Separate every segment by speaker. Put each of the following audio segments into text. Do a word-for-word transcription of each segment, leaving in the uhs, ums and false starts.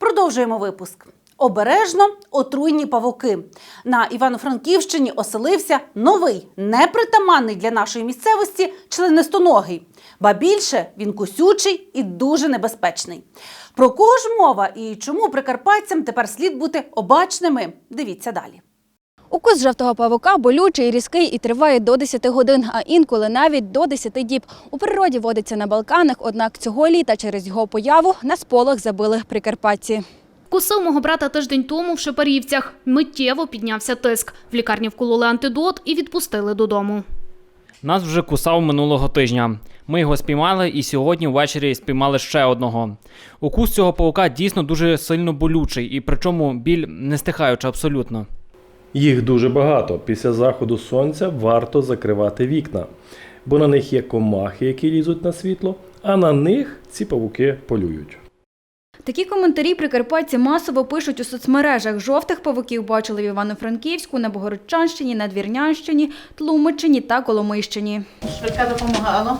Speaker 1: Продовжуємо випуск. Обережно отруйні павуки. На Івано-Франківщині оселився новий, непритаманний для нашої місцевості членистоногий. Ба більше, він кусючий і дуже небезпечний. Про кого ж мова і чому прикарпатцям тепер слід бути обачними? Дивіться далі.
Speaker 2: Укус жовтого павука болючий, різкий і триває до десяти годин, а інколи навіть до десяти діб. У природі водиться на Балканах, однак цього літа через його появу на сполох забили прикарпатці.
Speaker 3: Кусив мого брата тиждень тому в Шепарівцях. Миттєво піднявся тиск. В лікарні вкололи антидот і відпустили додому.
Speaker 4: Нас вже кусав минулого тижня. Ми його спіймали і сьогодні ввечері спіймали ще одного. Укус цього павука дійсно дуже сильно болючий, і причому біль не стихаюча абсолютно.
Speaker 5: Їх дуже багато. Після заходу сонця варто закривати вікна, бо на них є комахи, які лізуть на світло, а на них ці павуки полюють.
Speaker 2: Такі коментарі прикарпатці масово пишуть у соцмережах. Жовтих павуків бачили в Івано-Франківську, на Богородчанщині, Надвірнянщині, Тлумачині та Коломийщині.
Speaker 1: Швидка допомагала.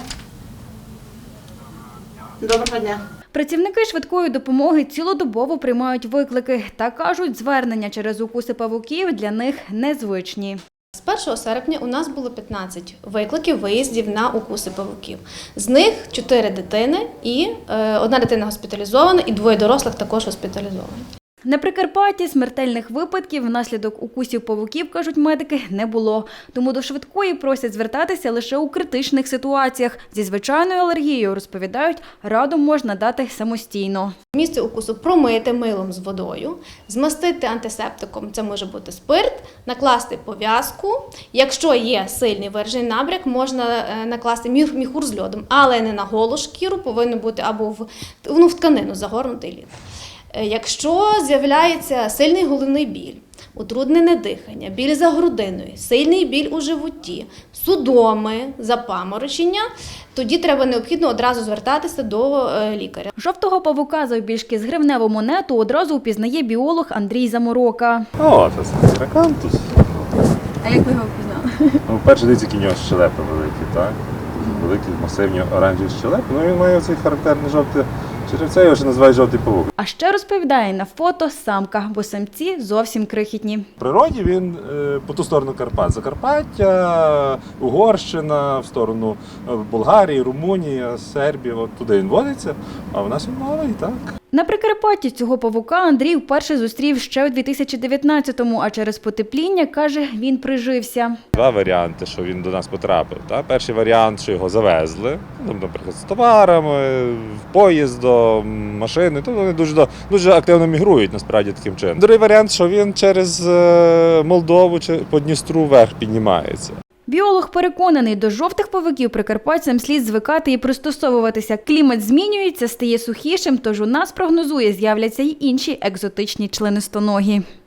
Speaker 1: Доброго дня.
Speaker 2: Працівники швидкої допомоги цілодобово приймають виклики та кажуть, звернення через укуси павуків для них незвичні.
Speaker 6: З першого серпня у нас було п'ятнадцять викликів виїздів на укуси павуків. З них чотири дитини і е, одна дитина госпіталізована, і двоє дорослих також госпіталізовані.
Speaker 2: На Прикарпатті смертельних випадків внаслідок укусів павуків, кажуть медики, не було. Тому до швидкої просять звертатися лише у критичних ситуаціях. Зі звичайною алергією, розповідають, раду можна дати самостійно.
Speaker 6: Місце укусу промити милом з водою, змастити антисептиком, це може бути спирт, накласти пов'язку. Якщо є сильний виражений набряк, можна накласти міхур з льодом, але не на голу шкіру, повинно бути або в, ну, в тканину загорнутий лід. Якщо з'являється сильний головний біль, утруднене дихання, біль за грудиною, сильний біль у животі, судоми, запаморочення, тоді треба необхідно одразу звертатися до лікаря.
Speaker 2: Жовтого павука завбільшки з гривневу монету одразу впізнає біолог Андрій Заморока.
Speaker 7: О, це стракантус.
Speaker 2: А як ви його впізнали?
Speaker 7: Ну, перше, дивіться, які в нього щелепи великі, так? Великі, масивні оранжеві щелепи. Ну, він має оцей характерний жовтий черевця, його ще називають жовтий павук.
Speaker 2: А ще розповідає на фото самка, бо самці зовсім крихітні.
Speaker 7: В природі він е, по ту сторону Карпат. Закарпаття, Угорщина, в сторону Болгарії, Румунії, Сербії. От туди він водиться, а в нас він малий, так.
Speaker 2: На Прикарпатті цього павука Андрій вперше зустрів ще у дві тисячі дев'ятнадцятому, а через потепління, каже, він прижився.
Speaker 7: Два варіанти, що він до нас потрапив. Так? Перший варіант, що його завезли, ну, наприклад, з товарами, поїздом, машини, то вони дуже, дуже активно мігрують, насправді, таким чином. Другий варіант, що він через Молдову чи по Дністру вверх піднімається.
Speaker 2: Біолог переконаний, до жовтих павуків прикарпатцям слід звикати і пристосовуватися. Клімат змінюється, стає сухішим, тож у нас, прогнозує, з'являться й інші екзотичні членистоногі.